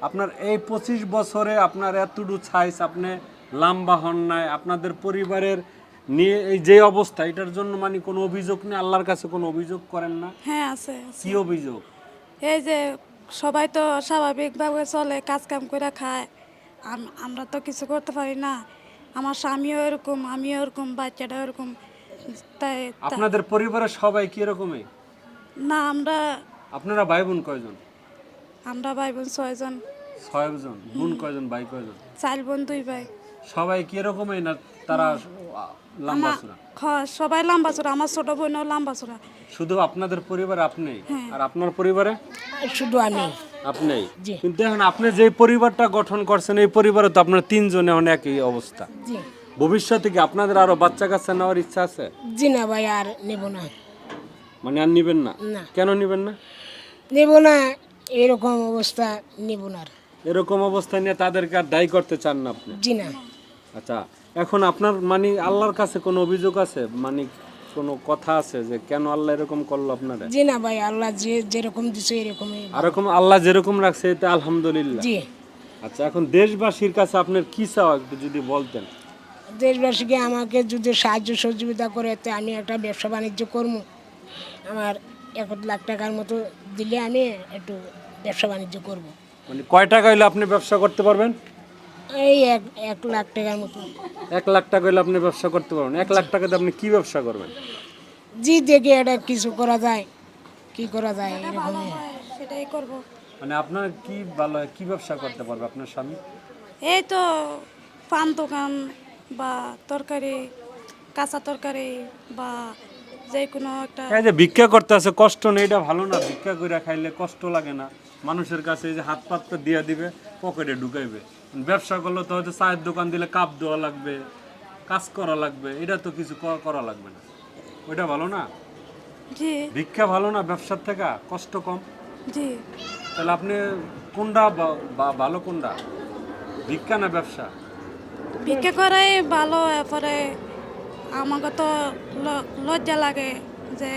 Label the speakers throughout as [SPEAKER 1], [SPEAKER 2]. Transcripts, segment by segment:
[SPEAKER 1] আপনার এই 25 বছরে আপনার এতটুকু সাইজ আপনি লম্বা হন নাই, আপনাদের পরিবারের নিয়ে এই যে অবস্থা, এটার জন্য মানে কোনো অভিযোগ নেই, আল্লাহর কাছে কোনো অভিযোগ করেন না?
[SPEAKER 2] হ্যাঁ আছে
[SPEAKER 1] কি অভিযোগ?
[SPEAKER 2] এই যে সবাই তো স্বাভাবিকভাবে চলে, কাজ কাম করে খায়, আমরা তো কিছু করতে পারি না। আমার স্বামীও এরকম, আমিও এরকম, বাচ্চাটাও এরকম। তাই
[SPEAKER 1] আপনাদের পরিবারের সবাই কি রকমই?
[SPEAKER 2] না
[SPEAKER 1] আপনারা ভাই বোন কয়জন?
[SPEAKER 2] আমরা ভাই বোন 6 জন।
[SPEAKER 1] 6 জন। বোন কয়জন, ভাই কয়জন?
[SPEAKER 2] 4 বোন 2 ভাই।
[SPEAKER 1] সবাই কি রকমই না তারা লম্বা চূড়া?
[SPEAKER 2] সবাই লম্বা চূড়া, আমার ছোট বোনও লম্বা চূড়া।
[SPEAKER 1] শুধু আপনাদের পরিবারে আপনি আর আপনার পরিবারে?
[SPEAKER 3] শুধু আমি।
[SPEAKER 1] আপনি? কিন্তু এখন আপনি যে পরিবারটা গঠন করছেন এই পরিবারে তো আপনার 3 জনে অনেক একই অবস্থা।
[SPEAKER 3] জি।
[SPEAKER 1] ভবিষ্যতে কি আপনাদের আরো বাচ্চা কাচ্চা নেওয়ার ইচ্ছা আছে?
[SPEAKER 3] জি না ভাই, আর নেব না।
[SPEAKER 1] মানে আর নিবেন না?
[SPEAKER 3] না।
[SPEAKER 1] কেন নিবেন না?
[SPEAKER 3] নেব না, এরকম অবস্থা নেব না।
[SPEAKER 1] এরকম অবস্থা নিয়ে তাদেরকে আর দায়ী করতে চান না আপনি?
[SPEAKER 3] জি না।
[SPEAKER 1] আচ্ছা, এখন আপনার মানে আল্লাহর কাছে কোনো অভিযোগ আছে, মানে কোনো কথা আছে যে কেন আল্লাহ এরকম করলো আপনারা?
[SPEAKER 3] জি না ভাই, আল্লাহ যেরকম দিছে এরকমই।
[SPEAKER 1] এরকম আল্লাহ যেরকম রাখছে এটা আলহামদুলিল্লাহ।
[SPEAKER 3] জি।
[SPEAKER 1] আচ্ছা, এখন দেশবাসীর কাছে আপনার কি চাওয়া একটু যদি বলতেন?
[SPEAKER 3] দেশবাসীকে আমাকে যদি সাহায্য সহযোগিতা করে তো আমি একটা ব্যবসা বাণিজ্য করবো। আমার 1 লাখ টাকার মতো দিলে আমি একটু ব্যবসা বাণিজ্য করব।
[SPEAKER 1] মানে কয় টাকা হইলে আপনি ব্যবসা করতে পারবেন?
[SPEAKER 3] এই 1 লাখ টাকার মতো।
[SPEAKER 1] 1 লাখ টাকা হইলে আপনি ব্যবসা করতে পারবেন? 1 লাখ টাকাতে আপনি কি ব্যবসা করবেন?
[SPEAKER 3] জি, দেখে এটা কিছু করা যায়, কি করা যায় এরকমই।
[SPEAKER 2] সেটাই করব।
[SPEAKER 1] মানে আপনার কি ভালো কি ব্যবসা করতে পারবে আপনার স্বামী?
[SPEAKER 2] এই তো পান দোকান বা তরকারি, কাঁচা তরকারি বা যে কোনো একটা।
[SPEAKER 1] এই যে ভিক্ষা করতে আছে, কষ্ট নেই, এটা ভালো না? ভিক্ষা করে খাইলে কষ্ট লাগে না? মানুষের কাছে এই যে হাত পাতটা দিয়ে দিবে, পকেটে ঢুকাইবে। ব্যবসা করলে তো হয়তো চায়ের দোকান দিলে কাপ দেওয়া লাগবে, কাজ করা লাগবে, এটা তো কিছু করা লাগবে না। ওইটা ভালো না?
[SPEAKER 2] জি
[SPEAKER 1] ভিক্ষা ভালো না ব্যবসার থেকে? কষ্ট কম।
[SPEAKER 2] জি।
[SPEAKER 1] তাহলে আপনি কোনটা ভালো, কোনটা ভিক্ষা না ব্যবসা?
[SPEAKER 2] ভিক্ষা করাই ভালো। এরপরে আমাকে তো লজ্জা লাগে যে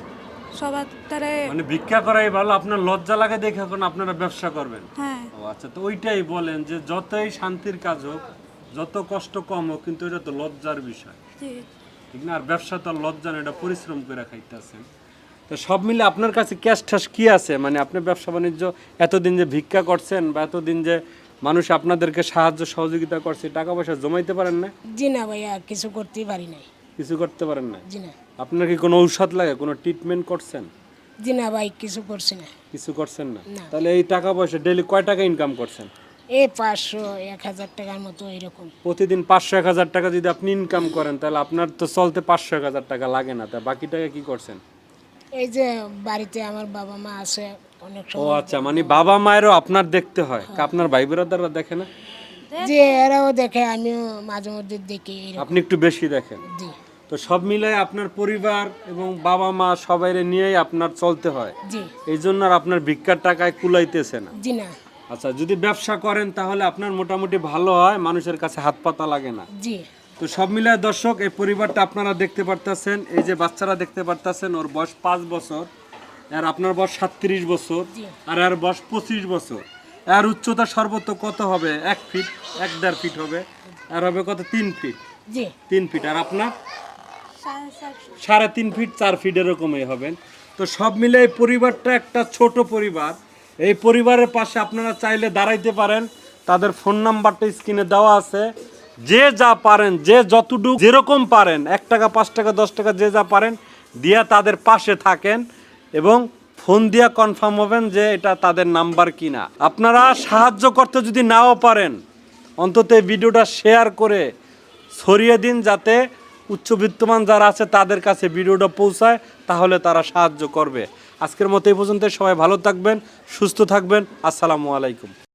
[SPEAKER 2] সবার তারে।
[SPEAKER 1] মানে ভিক্ষা করাই ভালো, আপনার লজ্জা লাগে দেখে এখন আপনারা ব্যবসা করবেন?
[SPEAKER 2] হ্যাঁ।
[SPEAKER 1] ও আচ্ছা, তো ওইটাই বলেন যে যতই শান্তির কাজ হোক, যত কষ্ট কম হোক, কিন্তু এটা তো লজ্জার বিষয়,
[SPEAKER 2] জি
[SPEAKER 1] ঠিক না? আর ব্যবসা তো আর লজ্জা না, এটা পরিশ্রম করে খাইতেছেন। তো সব মিলে আপনার কাছে ক্যাশ ঠ্যাশ কি আছে? মানে আপনি ব্যবসা বাণিজ্য এতদিন যে ভিক্ষা করছেন বা এতদিন যে মানুষ আপনাদেরকে সাহায্য সহযোগিতা করছে, টাকা পয়সা জমাইতে পারেন না?
[SPEAKER 3] জি না ভাইয়া, কিছু করতেই পারি নাই।
[SPEAKER 1] কিছু করতে পারেন না?
[SPEAKER 3] জি না।
[SPEAKER 1] আপনার কি কোনো ঔষধ লাগে, কোনো ট্রিটমেন্ট করছেন?
[SPEAKER 3] জি না ভাই, কিছু করছি না।
[SPEAKER 1] কিছু করছেন না?
[SPEAKER 3] না।
[SPEAKER 1] তাহলে এই টাকা পয়সা ডেইলি কয় টাকা ইনকাম করছেন?
[SPEAKER 3] এই 500-1000 টাকার মতো এরকম।
[SPEAKER 1] প্রতিদিন 500-1000 টাকা যদি আপনি ইনকাম করেন, তাহলে আপনার তো চলতে 500-1000 টাকা লাগে না, তা বাকি টাকা কি করছেন?
[SPEAKER 3] এই যে বাড়িতে আমার বাবা মা আছে, অনেক
[SPEAKER 1] ও
[SPEAKER 3] সময়।
[SPEAKER 1] আচ্ছা, মানে বাবা মায়েরও আপনার দেখতে হয়, আপনার ভাই ব্রাদাররা দেখে না?
[SPEAKER 3] জি, এরাও দেখে, আমিও মাঝে মধ্যে দেখি এরকম।
[SPEAKER 1] আপনি একটু বেশি দেখেন।
[SPEAKER 3] জি
[SPEAKER 1] তো সব মিলাই আপনার পরিবার এবং বাবা মা সবাইরে নিয়েই আপনার চলতে হয়,
[SPEAKER 3] জি।
[SPEAKER 1] এই জন্য আর আপনার ভিক্ষার টাকায় কুলাইতেছে না।
[SPEAKER 3] জি না।
[SPEAKER 1] আচ্ছা, যদি ব্যবসা করেন তাহলে আপনার মোটামুটি ভালো হয়, মানুষের কাছে হাত পাতা লাগে না।
[SPEAKER 3] জি
[SPEAKER 1] তো সব মিলায় দর্শক, এই পরিবারটা আপনারা দেখতে পারতেছেন, এই যে বাচ্চারা দেখতে পারতেছেন, ওর বয়স 5 বছর, আর আপনার বয়স 37 বছর, আর এর বয়স 25 বছর। এর উচ্চতা সর্বোচ্চ কত হবে? 1 ফিট, 1.5 ফিট হবে। আর হবে কত? 3 ফিট।
[SPEAKER 3] জি
[SPEAKER 1] 3 ফিট। আর আপনার 3.5 ফিট, 4 ফিট এরকমই হবেন। তো সব মিলে এই পরিবারটা একটা ছোট পরিবার। এই পরিবারের পাশে আপনারা চাইলে দাঁড়াইতে পারেন। তাদের ফোন নাম্বারটা স্ক্রিনে দেওয়া আছে। যে যা পারেন, যে যতটুকু যেরকম পারেন, 1 টাকা, 5 টাকা, 10 টাকা, যে যা পারেন দিয়া তাদের পাশে থাকেন এবং ফোন দিয়া কনফার্ম হবেন যে এটা তাদের নাম্বার কিনা। আপনারা সাহায্য করতে যদি নাও পারেন, অন্তত এই ভিডিওটা শেয়ার করে ছড়িয়ে দিন, যাতে উচ্চবিত্তমান যারা আছে তাদের কাছে ভিডিওটা পৌঁছায়, তাহলে তারা সাহায্য করবে। আজকের মতো এই পর্যন্ত। সবাই ভালো থাকবেন, সুস্থ থাকবেন। আসসালামু আলাইকুম।